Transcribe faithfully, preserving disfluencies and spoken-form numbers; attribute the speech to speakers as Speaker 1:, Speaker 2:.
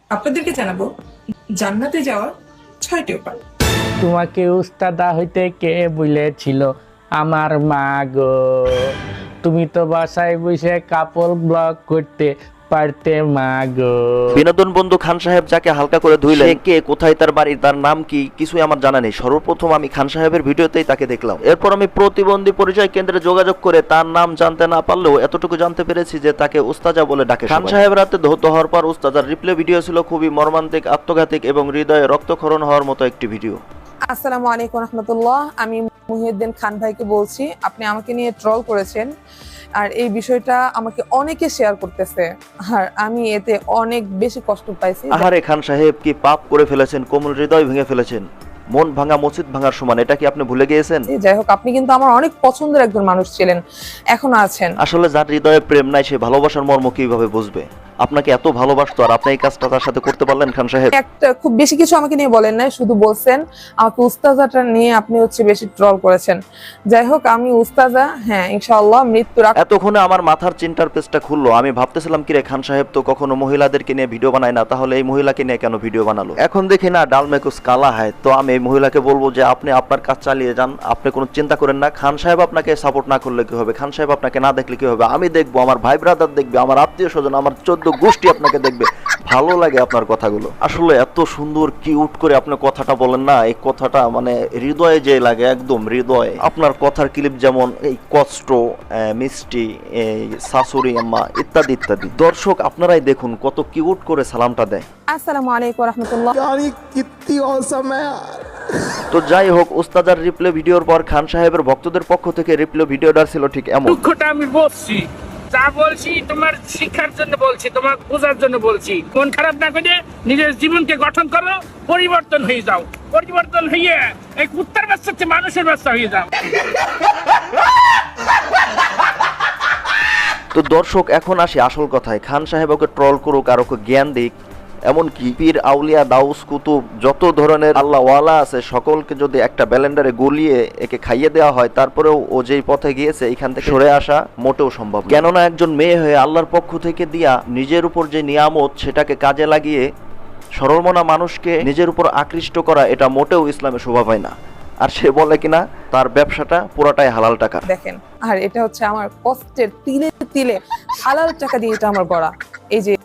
Speaker 1: আপনাদেরকে জানাবো জান্নাতে যাওয়ার ছয়টি উপায়।
Speaker 2: তোমাকে উস্তাদা হইতে কে বলেছিল? আমার মা গো। তুমি তো বাসায় বসে কাপড় ব্লগ করতে পারতে মা গো।
Speaker 3: বিনোদন বন্ধু খান সাহেব যাকে হালকা করে ধুইলেন, সে কে, কোথায় তার বাড়ি, তার নাম কি, কিছুই আমার জানা নেই। সর্বপ্রথম আমি খান সাহেবের ভিডিওতেই তাকে দেখলাম। এরপর আমি প্রতিবন্ধী পরিচয় কেন্দ্রে যোগাযোগ করে তার নাম জানতে না পারলেও এতটুকু জানতে পেরেছি যে তাকে উস্তাজা বলে ডাকে খান সাহেব। রাতে ধৌত হওয়ার পর উস্তাজার রিপ্লে ভিডিও ছিল খুবই মর্মান্তিক, আত্মঘাতিক এবং হৃদয়ে রক্তক্ষরণ হওয়ার মতো একটি ভিডিও।
Speaker 4: আসসালামু আলাইকুম রহমতুল্লাহ। আমি মুহিউদ্দিন খান ভাইকে বলছি। আপনি আমাকে নিয়ে ট্রল করেছেন, আর এই বিষয়টা আমাকে অনেকে শেয়ার করতেছে, আর আমি এতে অনেক বেশি কষ্ট পাইছি।
Speaker 3: আহারে খান সাহেব, কি পাপ করে ফেলেছেন, কোমল হৃদয় ভেঙে ফেলেছেন। মন ভাঙা মসজিদ ভাঙার সমান, এটা কি আপনি ভুলে গিয়েছেন?
Speaker 4: যাই হোক, আপনি কিন্তু আমার অনেক পছন্দের একজন মানুষ ছিলেন, এখনো আছেন।
Speaker 3: আসলে যার হৃদয়ে প্রেম নাই সে ভালোবাসার মর্ম কিভাবে বুঝবে? আপনাকে এত ভালোবাসতো আর আপনি এই কাজটা তার সাথে করতে পারলেন খান সাহেব?
Speaker 4: একটা খুব বেশি কিছু আমাকে নিয়ে বলেন নাই, শুধু বলছেন আমাকে উস্তাজাটা নিয়ে আপনি হচ্ছে বেশি ট্রল করেছেন। যাই হোক, আমি উস্তাজা, হ্যাঁ ইনশাআল্লাহ মৃত্যুর আগ-
Speaker 3: এতক্ষণে আমার মাথার চিন্তার পেজটা খুললো। আমি ভাবতেছিলাম কিরে, খান সাহেব তো কখনো মহিলাদেরকে নিয়ে ভিডিও বানায় না, তাহলে এই মহিলাকে নিয়ে কেন ভিডিও বানালো? এখন দেখি না, ডাল মে কুছ কালা হয়। তো আমি এই মহিলাকে বলবো যে আপনি আপনার কাজ চালিয়ে যান, আপনি কোনো চিন্তা করেন না। খান সাহেব আপনাকে সাপোর্ট না করলে কি হবে? খান সাহেব আপনাকে না দেখলে কি হবে? আমি দেখবো, আমার ভাই ব্রাদার দেখবে, আমার আত্মীয় স্বজন, আমার চোদ্দ গোষ্ঠী আপনাকে দেখবে। ভালো লাগে আপনার কথাগুলো। আসলে এত সুন্দর কিউট করে আপনি কথাটা বলেন না, এই কথাটা মানে হৃদয়ে যে লাগে, একদম হৃদয়ে। আপনার কথার ক্লিপ যেমন এই কষ্ট, আহ, মিষ্টি, এই শাশুড়ি আম্মা ইত্যাদি ইত্যাদি। দর্শক আপনারাই দেখুন কত কিউট করে সালামটা দেয়।
Speaker 4: আসসালামু আলাইকুম রহমতুল্লাহ।
Speaker 3: তো যাই হোক, উস্তাদার রিপ্লে ভিডিওর পর খান সাহেবের ভক্তদের পক্ষ থেকে রিপ্লে ভিডিওটা ছিল ঠিক এমন।
Speaker 5: দুঃখটা আমি বলছি, যা বলছি তোমার শিক্ষার জন্য বলছি, তোমার বোঝার জন্য বলছি। মন খারাপ না করে নিজের জীবনকে গঠন করো, পরিবর্তন হয়ে যাও। পরিবর্তন হয়ে এই কুত্তার বাচ্চা হচ্ছে মানুষের বাচ্চা হয়ে যাও।
Speaker 3: তো দর্শক এখন আসি আসল কথায়। খান সাহেব ওকে ট্রল করুক আর ওকে জ্ঞান দিক, এমনকি পীর আউলিয়া দাউস কুতুব যত ধরনের আল্লাহ ওয়ালা আছে সকলকে যদি একটা ব্যালেন্ডারে গলিয়ে একে খাইয়ে দেওয়া হয়, তারপরেও ও যেই পথে গিয়েছে এখান থেকে সরে আসা মোটেও সম্ভব না। কেননা একজন মেয়ে হয়ে আল্লাহর পক্ষ থেকে দিয়া নিজের উপর যে নিয়ামত সেটাকে কাজে লাগিয়ে সরলমনা মানুষকে নিজের উপর আকৃষ্ট করা, এটা মোটেও ইসলামে শোভা পায় না। আর সে বলে কিনা তার ব্যবসাটা পুরাটাই হালাল টাকা।
Speaker 4: দেখেন, আর এটা হচ্ছে আমার কষ্টের তিলে তিলে হালাল টাকা দিয়ে এটা আমার গড়া। এই যে